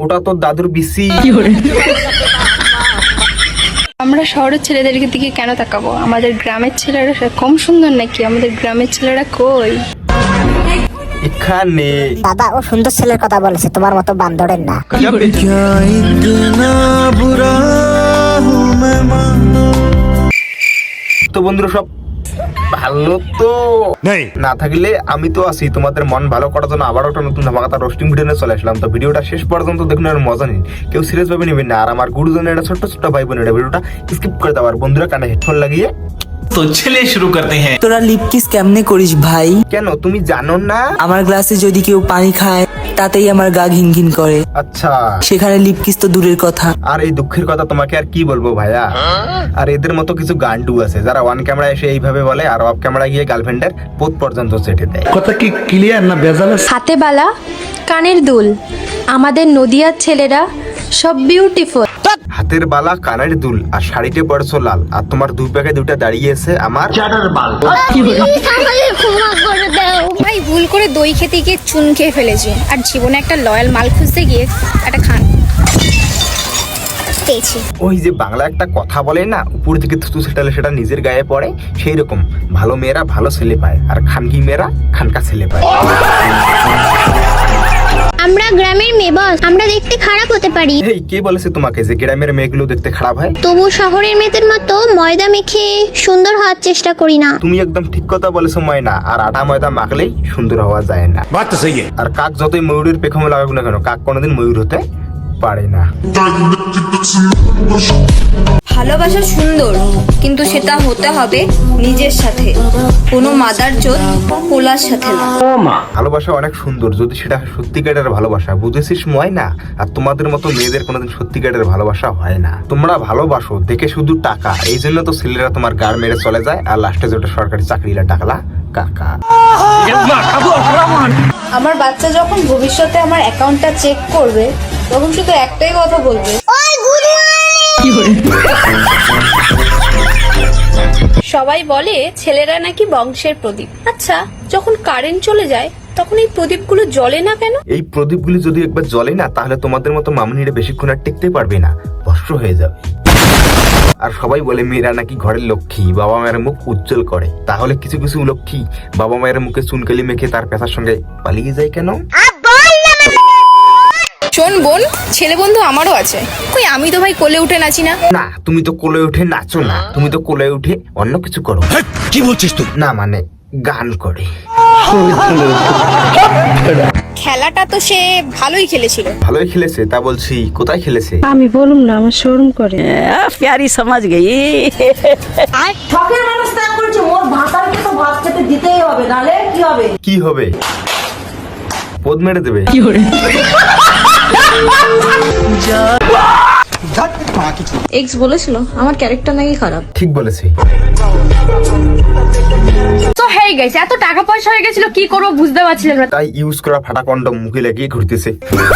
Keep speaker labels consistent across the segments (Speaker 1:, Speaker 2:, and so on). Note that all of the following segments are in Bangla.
Speaker 1: ওটা তোর দাদুর বিসি।
Speaker 2: আমরা শহরের ছেলেদের দিকে কেন তাকাবো? আমাদের গ্রামের ছেলেরা কম সুন্দর নাকি? আমাদের গ্রামের ছেলেরা কই?
Speaker 1: এখানে
Speaker 3: দাদা ও সুন্দর ছেলের কথা বলেছে, তোমার মতো বান্দরের না।
Speaker 1: তো বন্ধুরা সব ভালো তো না থাকলে আমি তো আছি তোমাদের মন ভালো করার জন্য আবার একটা নতুন ধামাকাতা রোস্টিং ভিডিও নিয়ে চলে আসলাম। তো ভিডিওটা শেষ পর্যন্ত দেখুন, আর মজা নিন, কেউ সিরিয়াস ভাবে নেবেন না। আর আমার গুরুজনের এটা ছোট্ট ছোট্ট ভাই বোনের ভিডিওটা স্কিপ করে দাও। আর বন্ধুরা কানে হেডফোন লাগিয়ে
Speaker 4: তো চলিए শুরু করতে हैं।
Speaker 5: তোরা লিপ কিস কেমনে করিস ভাই?
Speaker 1: কেন তুমি জানো না?
Speaker 5: আমার গ্লাসে যদি কেউ পানি খায় তাতেই আমার গা ঘিন ঘিন করে,
Speaker 1: আচ্ছা
Speaker 5: সেখানে লিপ কিস তো দূরের কথা।
Speaker 1: আর এই দুঃখের কথা তোমাকে আর কি বলবো ভাইয়া। আর এদের মতো কিছু গান্ডু আছে যারা ওয়ান ক্যামেরা এসে এইভাবে বলে আর অফ ক্যামেরা গিয়ে গার্লফ্রেন্ডের পোত পর্যন্ত চেটে দেয়।
Speaker 6: কথা কি ক্লিয়ার না ভেজাল?
Speaker 2: হাতে বালা, কানের দুল, আমাদের নদিয়ার ছেলেরা সব বিউটিফুল।
Speaker 1: হাতের বালা, কানের দুল আর শাড়িতে পড়ছো লাল, আর তোমার দুই প্যাকে দুটা দাঁড়িয়েছে আমার
Speaker 6: চাটার বাল।
Speaker 2: ভাই ভুল করে দই খেতে গিয়ে চুন খেয়ে ফেলেছি, আর জীবনে একটা লয়াল মাল খুঁজতে গিয়ে একটা খান পেয়েছি।
Speaker 1: ওই যে বাংলা একটা কথা বলে না, উপর থেকে থুতু ছেটালে সেটা নিজের গায়ে পড়ে, সেই রকম ভালো মেয়েরা ভালো ছেলে পায় আর খানকি মেয়েরা খানকা ছেলে পায়।
Speaker 7: আমরা গ্রামের মেয়ে বস, আমরা দেখতে খারাপ হতে পারি,
Speaker 1: এই কে বলেছে তোমাকে যে গ্রামের মেয়েগুলো দেখতে খারাপ হয়?
Speaker 7: তবু শহরের মেয়েদের মতো ময়দা মেখে সুন্দর হওয়ার চেষ্টা করি না।
Speaker 1: তুমি একদম ঠিক কথা বলেছো ময়না, আর আটা ময়দা মাখলেই সুন্দর হওয়া যায় না।
Speaker 6: বাত তো সহি है।
Speaker 1: আর কাক যতই ময়ূরের পেখমে লাগাক না কেন, কাক কোনোদিন ময়ূর হতে পারে না।
Speaker 8: ভালোবাসা সুন্দর, কিন্তু সেটা হতে হবে নিজের সাথে, কোনো মাদারচোদ পোলার সাথে না।
Speaker 1: ভালোবাসা অনেক সুন্দর যদি সেটা সত্যিকারের ভালোবাসা, বুঝেছিস ময়না? আর তোমাদের মতো মেয়েদের কোনোদিন সত্যিকারের ভালোবাসা হয় না। তোমরা ভালোবাসো দেখে শুধু টাকা, এই জন্য তো ছেলেরা তোমার গাড় মেরে চলে যায়, আর লাস্টে যেটা সরকারি চাকরিরা টাকলা কাকা।
Speaker 8: আমার বাচ্চা যখন ভবিষ্যতে আমার অ্যাকাউন্টটা চেক করবে, তখন শুধু একটাই কথা বলবে, সবাই বলে ছেলেরা নাকি বংশের প্রদীপ। আচ্ছা, যখন কারেন্ট চলে যায় তখন এই প্রদীপগুলো জ্বলে না কেন?
Speaker 1: এই প্রদীপগুলি যদি একবার জ্বলে না, তাহলে তোমাদের মতো মামুনিরা বেশিক্ষণ আর টিকতে পারবে না, ভস্ম হয়ে যাবে। আর সবাই বলে মেয়েরা নাকি ঘরের লক্ষ্মী, বাবা মায়ের মুখ উজ্জ্বল করে। তাহলে কিছু কিছু লক্ষ্মী বাবা মায়ের মুখে চুনকালি মেখে তার পেশার সঙ্গে পালিয়ে যায় কেন?
Speaker 2: শোন বোন, ছেলে বন্ধু আমারও আছে, কই আমি তো ভাই কোলে উঠে নাচি না।
Speaker 1: না, তুমি তো কোলে উঠে নাচো না, তুমি তো কোলে উঠে অন্য কিছু করো।
Speaker 6: কি বলছিস তুই?
Speaker 1: না মানে গান করে।
Speaker 2: খেলাটা তো সে ভালোই খেলেছিল।
Speaker 1: ভালোই খেলেছে তা বলছি, কোথায় খেলেছে?
Speaker 9: আমি বলুম না, আমার শোরুম করে।
Speaker 5: প্যারি সমাজ গেই।
Speaker 9: শখের মানুষ ত্যাগ করেছে, মোর ভাতারকে তো ভাত খেতে দিতেই হবে, নালে কি হবে?
Speaker 1: কি হবে? পদ মেরে দেবে।
Speaker 8: এক্স বলেছিল আমার ক্যারেক্টার নাকি খারাপ।
Speaker 1: ঠিক বলেছি।
Speaker 2: তো হেই গাইস, এত টাকা পয়সা হয়ে গেছিল, কি করব বুঝতে পারছিলাম না,
Speaker 1: তাই ইউজ করা ফাটা কন্ডম মুখে লাগিয়ে ঘুরতেছে।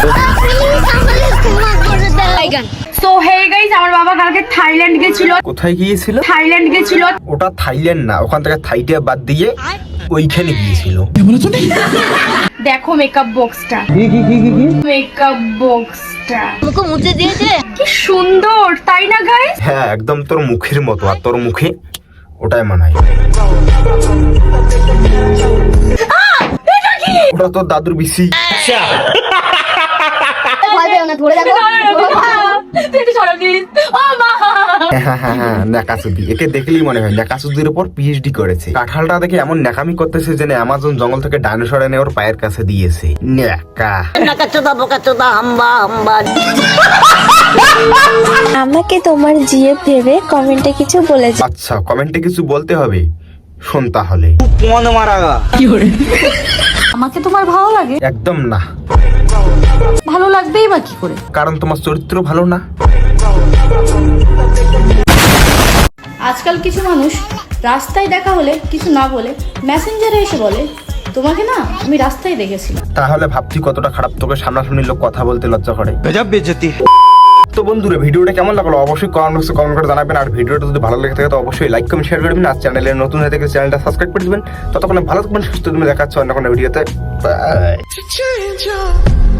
Speaker 2: সো হেই গাইস, আমার বাবা কালকে থাইল্যান্ড গেছিল।
Speaker 1: কোথায় গিয়েছিল?
Speaker 2: থাইল্যান্ড গেছিল।
Speaker 1: ওটা থাইল্যান্ড না, ওখান থেকে থাইটা বাদ দিয়ে ওইখানে গিয়েছিল।
Speaker 2: দেখো মেকআপ বক্সটা, মেকআপ বক্সটা
Speaker 7: মুখে মুছে দিয়েছে,
Speaker 2: কি সুন্দর তাই না গাইস?
Speaker 1: হ্যাঁ একদম তোর মুখের মতো, আর তোর মুখে ওটাই মানায়। ওটা তোর দাদুর বিসি।
Speaker 7: ভয় পেও না, ধরে দেখো।
Speaker 1: হ্যাঁ ন্যাকাসুদি, একে দেখলেই মনে হয় ন্যাকাসুদির উপর পিএইচডি করেছে। কাঁঠালটা দেখে এমন ন্যাকামি করতেছে যেন অ্যামাজন জঙ্গল থেকে ডাইনোসর এনে ওর পায়ের কাছে দিয়েছে। ন্যাকা।
Speaker 7: আমাকে তোমার জিএফ ভেবে কমেন্টে কিছু বলে যাও।
Speaker 1: আচ্ছা কমেন্টে কিছু বলতে হবে, শোন তাহলে।
Speaker 8: আমাকে তোমার ভালো লাগে?
Speaker 1: একদম না।
Speaker 8: ভালো লাগবেই বা কি করে?
Speaker 1: কারণ তোমার চরিত্র ভালো না।
Speaker 8: আজকাল কিছু মানুষ রাস্তায় দেখা হলে কিছু না বলে মেসেঞ্জারে এসে বলে, তোমাকে না আমি রাস্তায় দেখেছিলাম।
Speaker 1: তাহলে ভাবছি কতটা খারাপ, তোকে সামনাসামনি লোক কথা বলতে লজ্জা করে।
Speaker 6: গজব বেইজ্জতি।
Speaker 1: তো বন্ধুরা ভিডিওটা কেমন লাগলো অবশ্যই কমেন্ট করে জানাবেন। আর ভিডিওটা যদি ভালো লেগে থাকে তো অবশ্যই লাইক কমেন্ট শেয়ার করবেন। আর চ্যানেলে নতুন হয়ে থাকলে চ্যানেলটা সাবস্ক্রাইব করে দিবেন। ততক্ষণে ভালো থাকবেন, সুস্থ থাকবেন, দেখা হচ্ছে অন্য কোনো ভিডিওতে। বাই।